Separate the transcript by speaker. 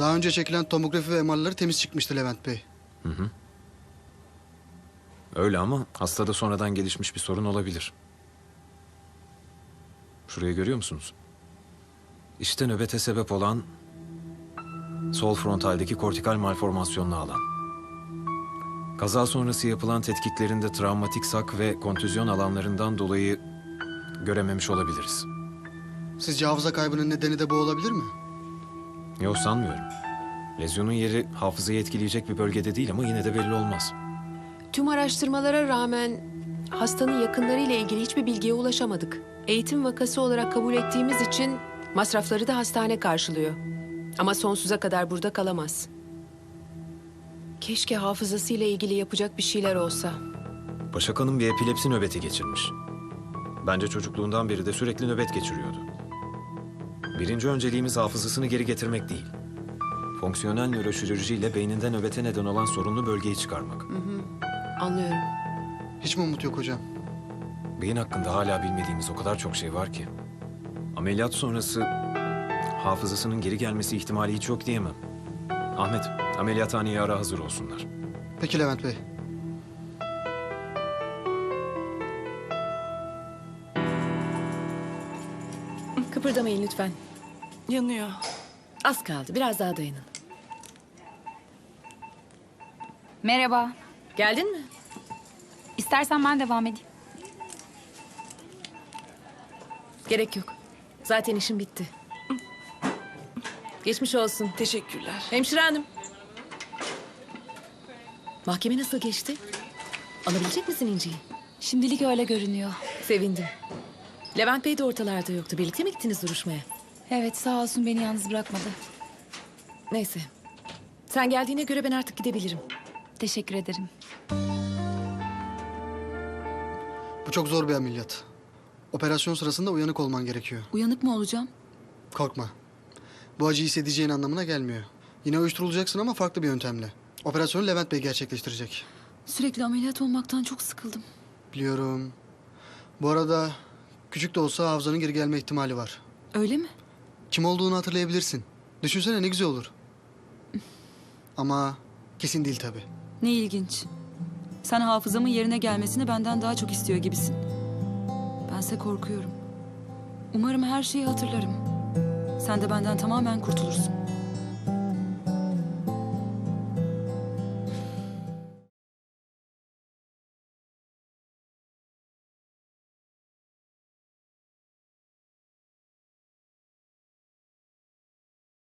Speaker 1: Daha önce çekilen tomografi ve MR'ları temiz çıkmıştı Levent Bey.
Speaker 2: Öyle ama hastada sonradan gelişmiş bir sorun olabilir. Şurayı görüyor musunuz? İşte nöbete sebep olan sol frontaldeki kortikal malformasyonlu alan. Kaza sonrası yapılan tetkiklerinde travmatik sak ve kontüzyon alanlarından dolayı görememiş olabiliriz.
Speaker 1: Sizce hafıza kaybının nedeni de bu olabilir mi?
Speaker 2: Yok, sanmıyorum. Lezyonun yeri hafızayı etkileyecek bir bölgede değil ama yine de belli olmaz.
Speaker 3: Tüm araştırmalara rağmen hastanın yakınlarıyla ilgili hiçbir bilgiye ulaşamadık. Eğitim vakası olarak kabul ettiğimiz için masrafları da hastane karşılıyor. Ama sonsuza kadar burada kalamaz. Keşke hafızasıyla ilgili yapacak bir şeyler olsa.
Speaker 2: Başak Hanım bir epilepsi nöbeti geçirmiş. Bence çocukluğundan beri de sürekli nöbet geçiriyordu. Birinci önceliğimiz hafızasını geri getirmek değil. Fonksiyonel nöroşirurjiyle beyninde nöbete neden olan sorunlu bölgeyi çıkarmak.
Speaker 3: Anlıyorum.
Speaker 1: Hiç mi umut yok hocam?
Speaker 2: Beyin hakkında hala bilmediğimiz o kadar çok şey var ki. Ameliyat sonrası hafızasının geri gelmesi ihtimali hiç yok diyemem. Ahmet, ameliyathaneye ara, hazır olsunlar.
Speaker 1: Peki Levent Bey.
Speaker 4: Kıpırdamayın lütfen.
Speaker 5: Yanıyor.
Speaker 4: Az kaldı. Biraz daha dayanın.
Speaker 6: Merhaba.
Speaker 4: Geldin mi?
Speaker 6: İstersen ben devam edeyim.
Speaker 4: Gerek yok. Zaten işim bitti. Geçmiş olsun.
Speaker 5: Teşekkürler.
Speaker 4: Hemşire hanım. Mahkeme nasıl geçti? Alabilecek misin İnci'yi?
Speaker 6: Şimdilik öyle görünüyor.
Speaker 4: Sevindim. Levent Bey de ortalarda yoktu. Birlikte mi gittiniz duruşmaya?
Speaker 6: Evet, sağ olsun beni yalnız bırakmadı.
Speaker 4: Neyse. Sen geldiğine göre ben artık gidebilirim.
Speaker 6: Teşekkür ederim.
Speaker 1: Bu çok zor bir ameliyat. Operasyon sırasında uyanık olman gerekiyor.
Speaker 6: Uyanık mı olacağım?
Speaker 1: Korkma. Bu acıyı hissedeceğin anlamına gelmiyor. Yine uyuşturulacaksın ama farklı bir yöntemle. Operasyonu Levent Bey gerçekleştirecek.
Speaker 6: Sürekli ameliyat olmaktan çok sıkıldım.
Speaker 1: Biliyorum. Bu arada küçük de olsa hafızanın geri gelme ihtimali var.
Speaker 6: Öyle mi?
Speaker 1: Kim olduğunu hatırlayabilirsin. Düşünsene ne güzel olur. Ama kesin değil tabii.
Speaker 7: Ne ilginç. Sen hafızamın yerine gelmesini benden daha çok istiyor gibisin. Bense korkuyorum. Umarım her şeyi hatırlarım. Sen de benden tamamen kurtulursun.